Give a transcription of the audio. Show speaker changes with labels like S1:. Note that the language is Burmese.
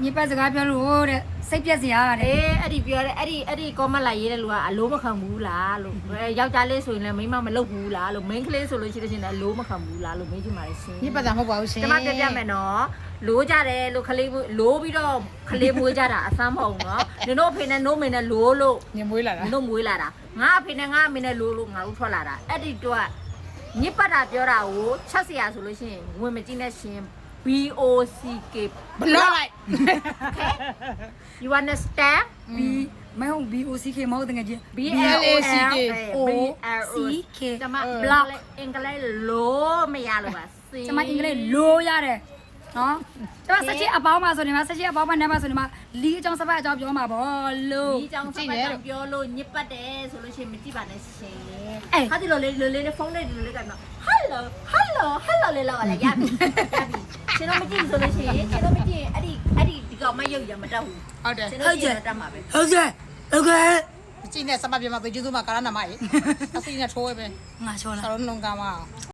S1: ညပတ်စကားပြောလို့တဲ့စိတ်ပြက်စရာတဲ့
S2: အဲ့ဒီပြောတယ်အဲ့ဒီကောမန့်လိုက်ရေးတဲ့လူကအလိုးမခံဘူးလားလို့ယောက်ျားလေးဆိုရင်လည်းမိန်းမမလုပ်ဘူးလားလို့မိန်းကလေးဆိုလို့ရှိတဲ့ရှင်လည်းအလိုးမခံဘူးလားလို့မေးကြည့်ပါလေရှင်
S3: ညပတ်တာမဟုတ်ပါဘူးရှင်
S2: ကျမပြပြမယ်နော်လိုးကြတယ်လို့ခလေးလိုးပြီးတော့ခလေးမွေးကြတာအဆမ်းမဟုတ်နော်နင်တို့အဖေနဲ့နိုးမင်းနဲ့လိုးလို့
S3: ညမွေးလာတာ
S2: နင်တို့မွေးလာတာငါအဖေနဲ့ငါအမေနဲ့လိုးလို့ငါတို့ထွက်လာတာအဲ့ဒီတော့ညစ်ပတ်တာပြောတာကိုချက်စရာဆိုလို့ရှိရင်ဝင်မကြည့်နဲ့ရှင် BOCK
S3: ဘလော့လိုက်
S2: You understand
S1: ဘီမဟုတ် BOCK မဟုတ်တကယ်ကြီး
S3: BLACK
S1: OCK
S2: ကျမ block အင်္ဂလိပ်လို့မရလို့ပါ
S1: ကျမအင်္ဂလိပ်လိုရတယ်နော်ကျမဆက်ချစ်အပေါင်းမှာဆိုနေမှာဆက်ချစ်အပေါင်းမှာနဲ့မှာဆိုနေမှာလီအကြောင်းစပတ်အကြောင်းပြောမှာဗောလို့
S2: ဒီကြောင်စပတ်ကြောင်ပြောလို့ညစ်ပတ်တယ်ဆိုလို့ရှိရင်မကြည့်ပါနဲ့ရှင်ဟာဒီလိုလေးဖုန်းလေးဒီလိုလေးကနော် hello လေးလောက်လာရပြီရှင်တို့မကြည့်ဆိုလို့ရှိရင်ရှင်တို့မကြည့်ရင်အဲ့ဒီဒီကောင်မရုပ်ရမတတ်ဘူး
S3: ဟုတ်တယ်
S2: ရှင်တို့ကြည့်ရတတ်မှာပဲ
S1: ဟုတ်ကဲ့ဟုတ်ကဲ့
S3: ကြည့်နေစမပြမပေးကျူးသူမကာရနာမရေအစီနဲ့ထိုးပဲ
S1: ငါချောလာ
S3: ဆရာတို့လုံကမှာ